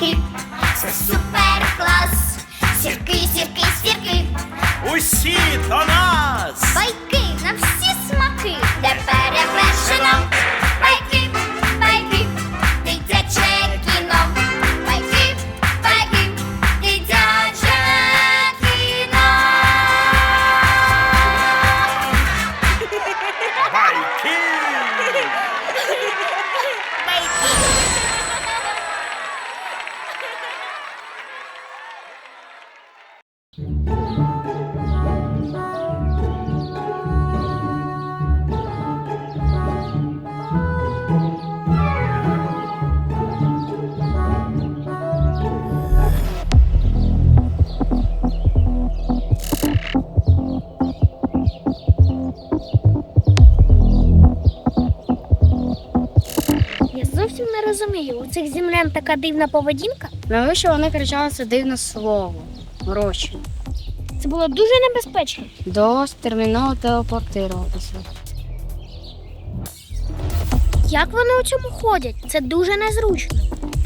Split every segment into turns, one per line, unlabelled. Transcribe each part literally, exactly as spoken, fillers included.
сірки, це супер клас. Сірки, сірки, сірки,
Усі до нас!
байки на всі смаки, де перевершено. Байки, байки, дитяче кіно. Байки, байки, дитяче кіно.
Байки!
Я зовсім не розумію, у цих землян така дивна поведінка.
Навіщо вони кричали це дивне слово? Гроші.
Це було дуже небезпечно.
До терміново телепортуватися.
Як вони у цьому ходять? Це дуже незручно.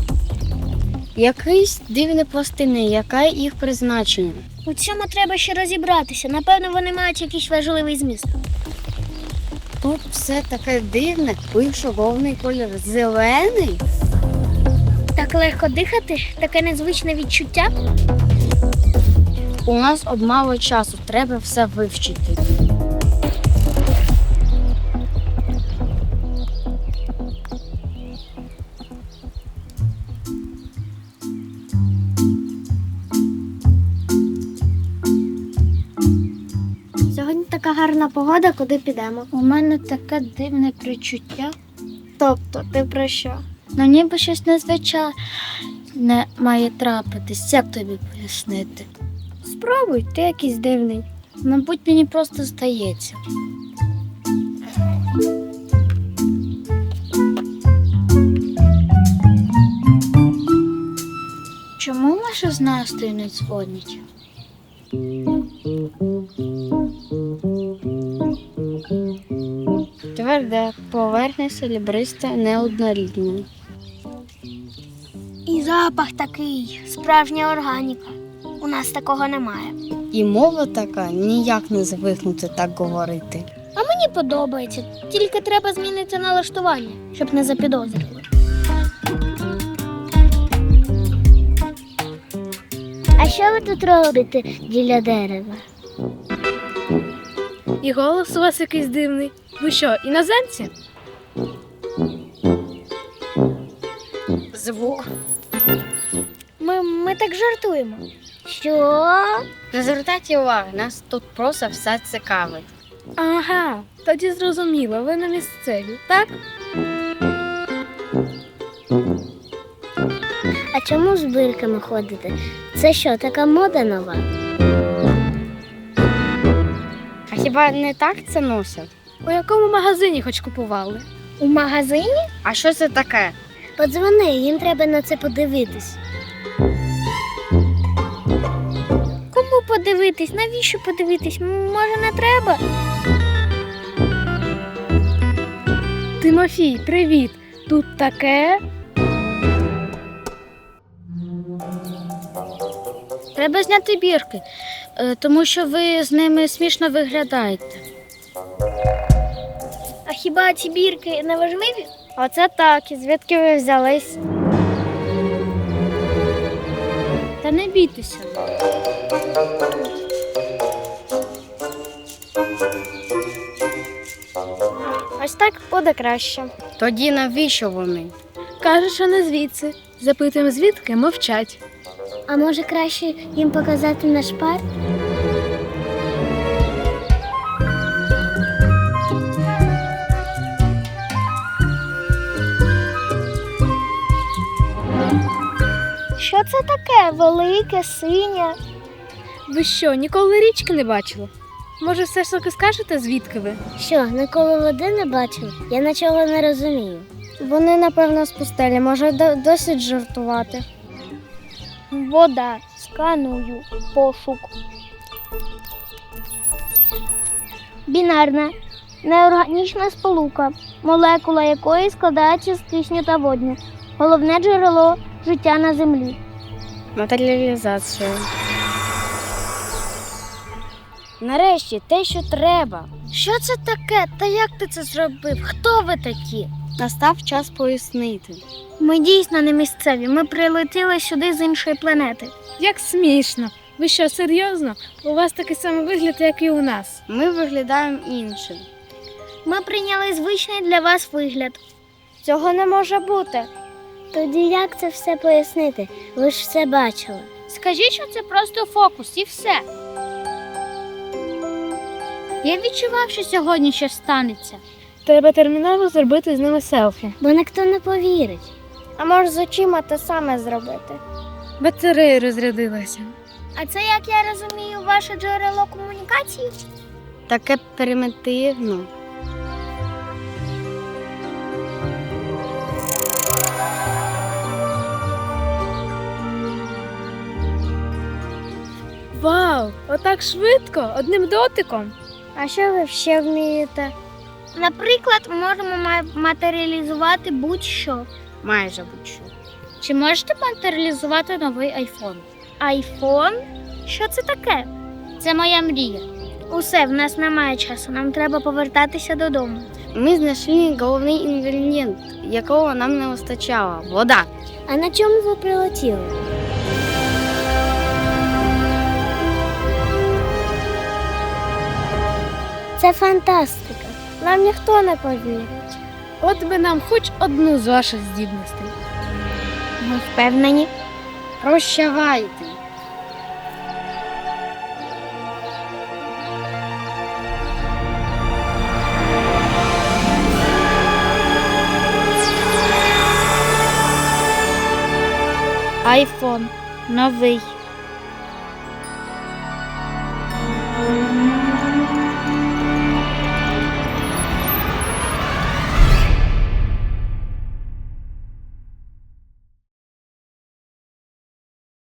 Якісь дивні пластини, яке їх призначення?
У цьому треба ще розібратися. Напевно, вони мають якийсь важливий зміст.
Тут все таке дивне, пише головний колір зелений.
Так легко дихати, таке незвичне відчуття.
У нас обмало часу, треба все вивчити.
Сьогодні така гарна погода, куди підемо?
У мене таке дивне причуття.
Тобто, ти про що?
Ну ніби щось незвичайне має трапитись. Як тобі пояснити?
Спробуй, ти якийсь дивний.
Мабуть, мені просто здається. Чому наші з Настею не дзвонять? Тверде, поверхня селібриста неоднорідна.
І запах такий, справжня органіка. У нас такого немає.
І мова така, ніяк не звикнути так говорити.
А мені подобається, тільки треба змінити налаштування, щоб не запідозрили. А що ви тут робите біля дерева?
І голос у вас якийсь дивний. Ви що, іноземці?
Звук.
Ми, ми так жартуємо. Що?
Не звертайте уваги, нас тут просто все цікавить.
Ага, тоді зрозуміло, ви на місцеві, так?
А чому з бирками ходите? Це що, така мода нова?
А хіба не так це носять?
У якому магазині хоч купували?
У магазині?
А що це таке?
Подзвони, їм треба на це подивитись. Кому подивитись? Навіщо подивитись? Може, не треба?
Тимофій, привіт! Тут таке?
Треба зняти бірки, е, тому що ви з ними смішно виглядаєте.
А хіба ці бірки не важливі?
Оце так, і звідки ви взялись? Та не бійтеся.
Ось так буде краще.
Тоді навіщо вони?
Каже, що не звідси. Запитуємо звідки, мовчать.
А може краще їм показати наш парк? Що це таке? Велике, синє?
Ви що, ніколи річки не бачили? Може, все ж таки скажете, звідки ви?
Що, ніколи води не бачив? Я нічого не розумію.
Вони, напевно, з пустелі, може до- досить жартувати.
Вода. Сканую. Пошук. Бінарна. Неорганічна сполука, молекула якої складається з кисню та водню. Головне джерело життя на землі.
Матеріалізація. Нарешті те, що треба. Що це таке? Та як ти це зробив? Хто ви такі? Настав час пояснити.
Ми дійсно не місцеві. Ми прилетіли сюди з іншої планети.
Як смішно. Ви що, серйозно? У вас такий самий вигляд, як і у нас.
Ми виглядаємо іншим.
Ми прийняли звичний для вас вигляд.
Цього не може бути.
Тоді як це все пояснити? Ви ж все бачили. Скажіть, що це просто фокус і все. Я відчував, що сьогодні щось станеться,
Треба терміново зробити з ними селфі.
бо ніхто не повірить. А може з очима те саме зробити?
Батарея розрядилася.
А це, як я розумію, ваше джерело комунікації?
Таке примітивно.
Вау! Отак швидко, одним дотиком.
А що ви ще вмієте? Наприклад, можемо ма- матеріалізувати будь-що.
Майже будь-що.
Чи можете матеріалізувати новий айфон? Айфон? Що це таке? Це моя мрія. Усе, в нас немає часу, нам треба повертатися додому.
Ми знайшли головний інгредієнт, якого нам не вистачало – вода.
А на чому ви прилетіли? Це фантастика. Нам ніхто не повірить.
От би нам хоч одну з ваших здібностей.
Ми впевнені.
Прощавайте.
Айфон новий.